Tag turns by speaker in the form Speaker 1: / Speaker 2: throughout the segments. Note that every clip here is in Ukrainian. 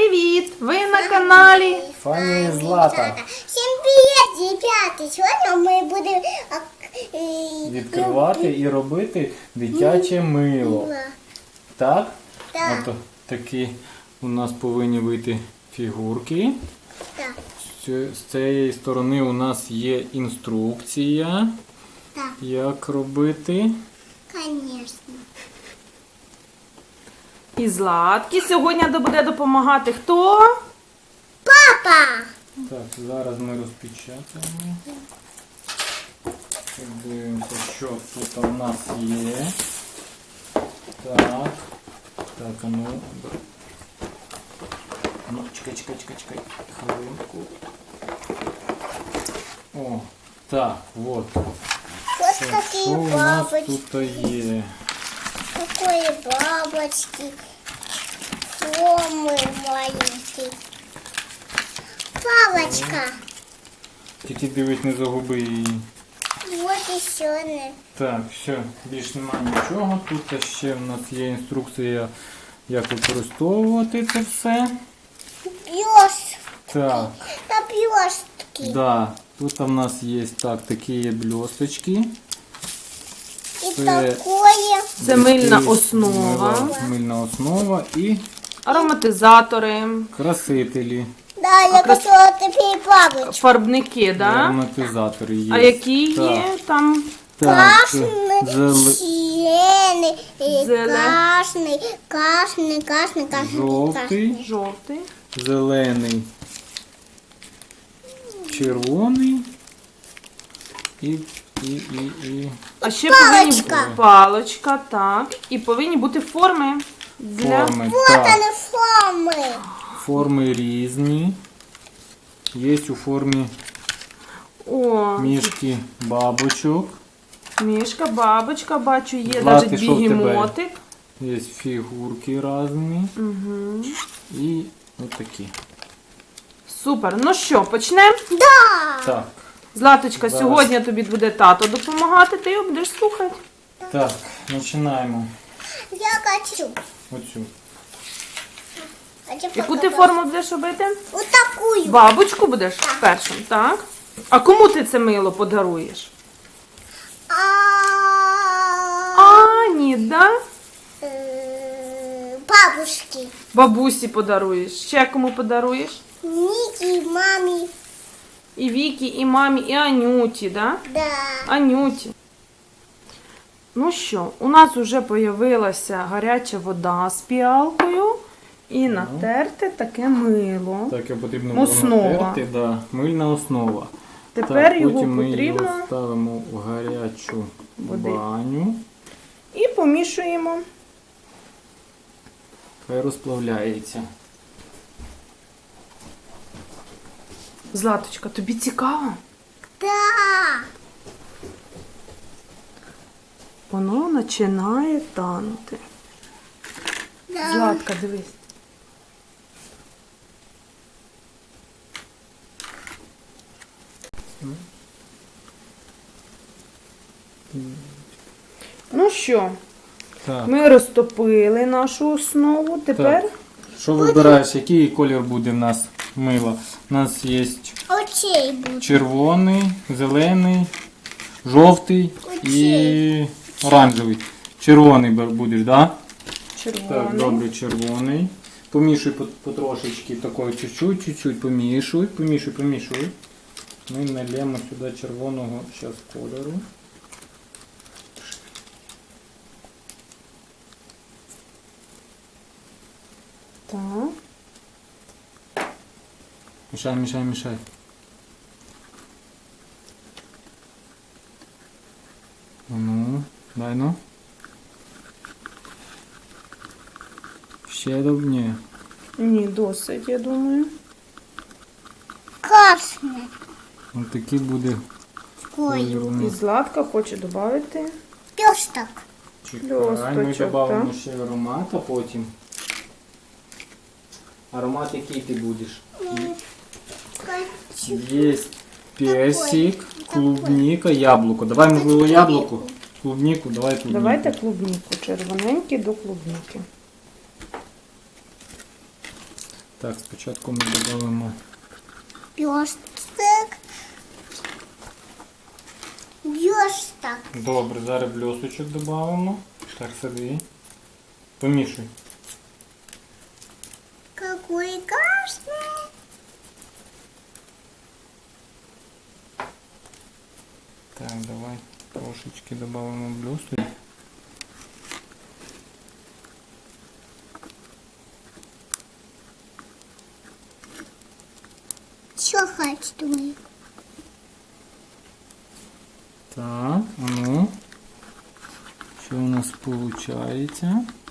Speaker 1: привіт! Ви на каналі
Speaker 2: Фані і Злата.
Speaker 3: Всім привіт, ребята! Сьогодні ми будемо
Speaker 2: Відкривати і робити дитяче мило. Так?
Speaker 3: Так.
Speaker 2: Ото такі у нас повинні вийти фігурки.
Speaker 3: Так.
Speaker 2: З цієї сторони у нас є інструкція,
Speaker 3: Так.
Speaker 2: як робити.
Speaker 3: Звісно.
Speaker 1: і Златки. Сьогодні буде допомагати хто?
Speaker 3: Папа!
Speaker 2: Так, зараз ми розпечатаємо. Дивимося, що тут у нас є. Так. Так, а ну. Ну, чекай. Хвилинку. О, так, от.
Speaker 3: Ось
Speaker 2: Так,
Speaker 3: такі
Speaker 2: що у нас
Speaker 3: бабочки.
Speaker 2: тут є?
Speaker 3: Такої бабочки. Форми маленькі. Палочка.
Speaker 2: Тільки дивись, не загуби її.
Speaker 3: Вот і ще не.
Speaker 2: Так, все, більш немає нічого. Тут ще в нас є інструкція, як використовувати це все.
Speaker 3: Блестки.
Speaker 2: Так,
Speaker 3: Та блестки.
Speaker 2: да. Тут у нас є такі блісточки.
Speaker 3: І
Speaker 2: Це-
Speaker 3: такое.
Speaker 1: Це мильна основа,
Speaker 2: Мильна основа і
Speaker 1: ароматизатори,
Speaker 2: красителі.
Speaker 3: Да, я хотіла тепер бабочку.
Speaker 1: фарбники,
Speaker 2: І
Speaker 1: да?
Speaker 2: ароматизатори є.
Speaker 1: А які
Speaker 2: Так,
Speaker 1: є там?
Speaker 2: Так, це
Speaker 3: Красный, зеленый, красный,
Speaker 2: жовтий,
Speaker 1: Жовтий.
Speaker 2: зелений, червоний і.
Speaker 1: А ще
Speaker 3: Паличка.
Speaker 1: повинні паличка, так. І повинні бути форми для
Speaker 2: Форми.
Speaker 3: Вот
Speaker 2: Так,
Speaker 3: они формы.
Speaker 2: форми різні. Є у формі
Speaker 1: О,
Speaker 2: мішки бабочок.
Speaker 1: мішка, бабочка, бачу, є
Speaker 2: Злати,
Speaker 1: навіть
Speaker 2: що в тебе?
Speaker 1: бігемотик.
Speaker 2: Є фігурки різні.
Speaker 1: Угу.
Speaker 2: І отакі.
Speaker 1: Супер. Ну що, почнемо?
Speaker 3: Да.
Speaker 2: Так.
Speaker 1: Златочка,
Speaker 2: Зараз.
Speaker 1: сьогодні тобі буде тато допомагати, ти його будеш слухати.
Speaker 2: Так, починаємо
Speaker 3: Я хочу.
Speaker 2: оцю.
Speaker 1: Яку ти форму будеш робити?
Speaker 3: Вот такую.
Speaker 1: Бабочку будеш першим, так? А кому ти це мило подаруєш? Ані, да?
Speaker 3: Бабушки.
Speaker 1: Бабусі подаруєш. Ще кому подаруєш?
Speaker 3: Ники, маме.
Speaker 1: І Вікі, і мамі, і Анюті, да?
Speaker 3: Да.
Speaker 1: Анюті. Ну що, у нас вже з'явилася гаряча вода з піалкою і натерти таке мило.
Speaker 2: Так, його потрібно було
Speaker 1: Основа.
Speaker 2: натерти. Да, мильна основа.
Speaker 1: Тепер
Speaker 2: так,
Speaker 1: його
Speaker 2: потім ми
Speaker 1: потрібно
Speaker 2: його ставимо в гарячу
Speaker 1: Води.
Speaker 2: баню.
Speaker 1: і помішуємо.
Speaker 2: Хай розплавляється.
Speaker 1: Златочка, тобі цікаво?
Speaker 3: Да.
Speaker 1: Воно починає танути.
Speaker 3: Да.
Speaker 1: Златка, дивись. Ну що,
Speaker 2: Так.
Speaker 1: ми розтопили нашу основу. Тепер
Speaker 2: Що вибираєш, який колір буде в нас мило? У нас є
Speaker 3: Очей будет.
Speaker 2: червоний, зелений, жовтий і оранжевий. Червоний будеш, так?
Speaker 1: червоний.
Speaker 2: Так, добре, червоний. Помішуй потрошечки, такої чуть-чуть помішуй. Ми нальємо сюди червоного зараз кольору.
Speaker 1: Так.
Speaker 2: Мішай. Ну, дай ну. Ще ні.
Speaker 1: Ні, досить, я думаю.
Speaker 3: Красный.
Speaker 2: Ось такий буде колір у
Speaker 1: І
Speaker 2: нас.
Speaker 1: Златка хоче додати.
Speaker 3: Песток.
Speaker 2: Чекай, ми
Speaker 1: Льосточок,
Speaker 2: додамо
Speaker 1: так.
Speaker 2: ще аромат, а потім. Аромат який ти будеш?
Speaker 3: Хочу.
Speaker 2: Є персик, клубника, яблуко. Давай, можливо, яблуко. Клубнику, давай клубнику.
Speaker 1: Давайте клубніку. Червоненький до клубніки.
Speaker 2: Так, спочатку ми додамо
Speaker 3: Блесток. Блесток.
Speaker 2: добре, зараз бльосочок додамо. Так, сиди. Помішуй.
Speaker 3: Какой красный.
Speaker 2: Так, давай трошечки додамо бльосочок.
Speaker 3: Что хочу?
Speaker 2: Так, а ну. Що у нас виходить?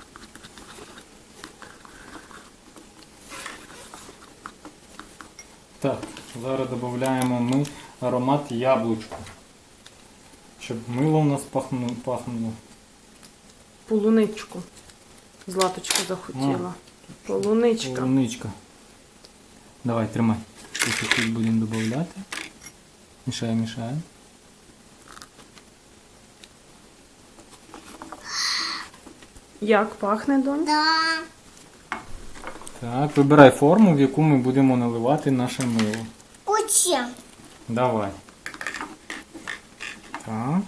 Speaker 2: Так, зараз додаємо ми аромат яблучку. Щоб мило у нас пахнуло.
Speaker 1: Полуничку. Златочка захотіла. Полуничка.
Speaker 2: Полуничка. Давай, тримай. Тут будемо додавати. Мішаємо, мішаємо.
Speaker 1: Як пахне, донь?
Speaker 3: Да.
Speaker 2: Так, вибирай форму, в яку ми будемо наливати наше мило.
Speaker 3: Учим.
Speaker 2: Давай. Так.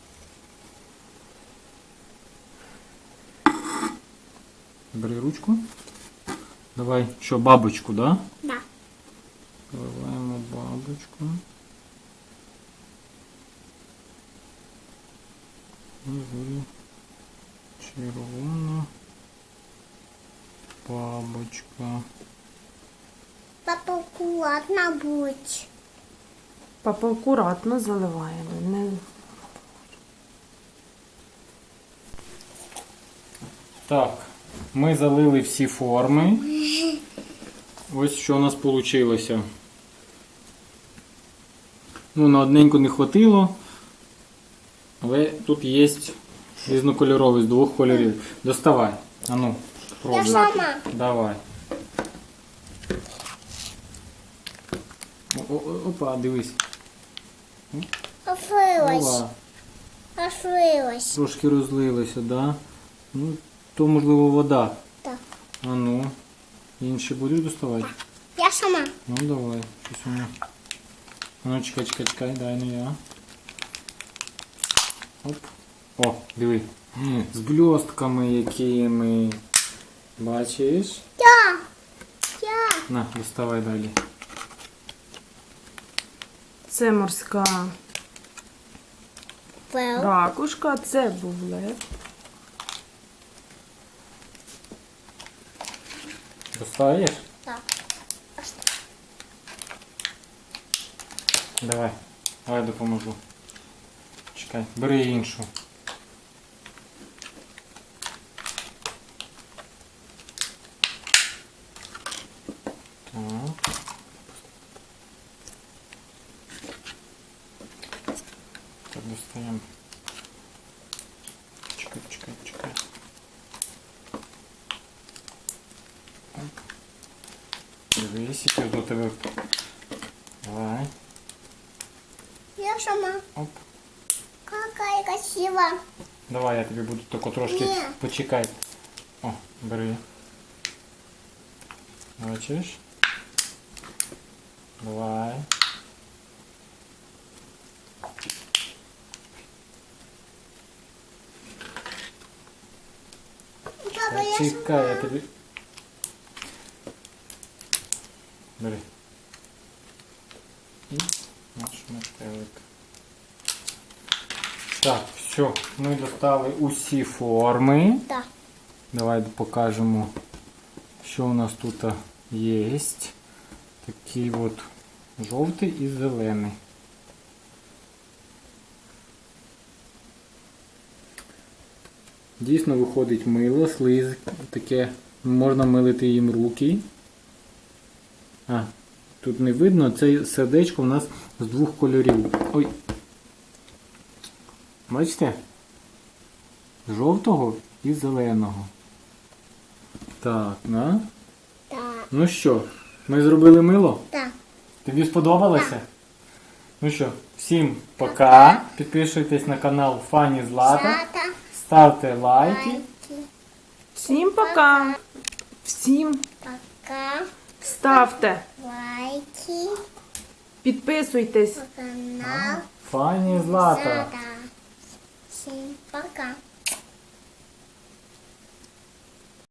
Speaker 2: Бери ручку. Давай, що, бабочку, да?
Speaker 3: Да.
Speaker 2: Наливаємо бабочку. І червона бабочка.
Speaker 3: Папа, аккуратно будь.
Speaker 1: Папа акуратно заливаємо. Не...
Speaker 2: Так, ми залили всі форми. Ось що у нас вийшло. Ну, на одненьку не хватило, але тут є різнокольоровий з двох кольорів. Доставай. А ну,
Speaker 3: Я
Speaker 2: пробуй.
Speaker 3: сама.
Speaker 2: Давай. Опа, дивись.
Speaker 3: Открылась.
Speaker 2: Ова,
Speaker 3: Открылась.
Speaker 2: трошки розлилося, да? Ну, то можливо вода.
Speaker 3: Так.
Speaker 2: А ну, інші будеш доставати?
Speaker 3: Я сама.
Speaker 2: Ну давай, щось у мене. А ну чекай, дай не я. Оп. О, диви. З блістками якими. Бачиш?
Speaker 3: Я. Я.
Speaker 2: На, доставай далі.
Speaker 1: Це морська
Speaker 3: Well.
Speaker 1: ракушка, це бублет.
Speaker 2: Достаєш?
Speaker 3: Так.
Speaker 2: Давай. Давай допоможу. Чекай, бери іншу. Так. Так, достаємо. Чекай. Так. Дивись, яке до тебе. Давай.
Speaker 3: Я сама.
Speaker 2: Оп.
Speaker 3: Какая красивая.
Speaker 2: Давай я тобі буду тільки трошки
Speaker 3: Ні.
Speaker 2: почекай. О, бери. Бачиш? Давай.
Speaker 3: Папа, я
Speaker 2: Чекай, я
Speaker 3: сама.
Speaker 2: тобі. Бери. І наш метелик. Так, все, ми достали усі форми.
Speaker 3: Да.
Speaker 2: Давай покажемо, що у нас тут є. Такий от жовтий і зелений. Дійсно виходить мило, слиз, таке, можна милити їм руки. А, тут не видно, це сердечко у нас з двох кольорів. Ой. Бачите? Жовтого і зеленого. Так, на.
Speaker 3: Да.
Speaker 2: Ну що, ми зробили мило?
Speaker 3: Да.
Speaker 2: Тобі сподобалося? Ну що, всім пока. Підписуйтесь на канал Фані Злата.
Speaker 3: Злата.
Speaker 2: Ставте лайки.
Speaker 3: Лайки.
Speaker 1: Всім пока! Всім
Speaker 3: Пока.
Speaker 1: ставте,
Speaker 3: лайки,
Speaker 1: підписуйтесь.
Speaker 3: канал.
Speaker 2: Фані Злата.
Speaker 3: Злата. Всем пока.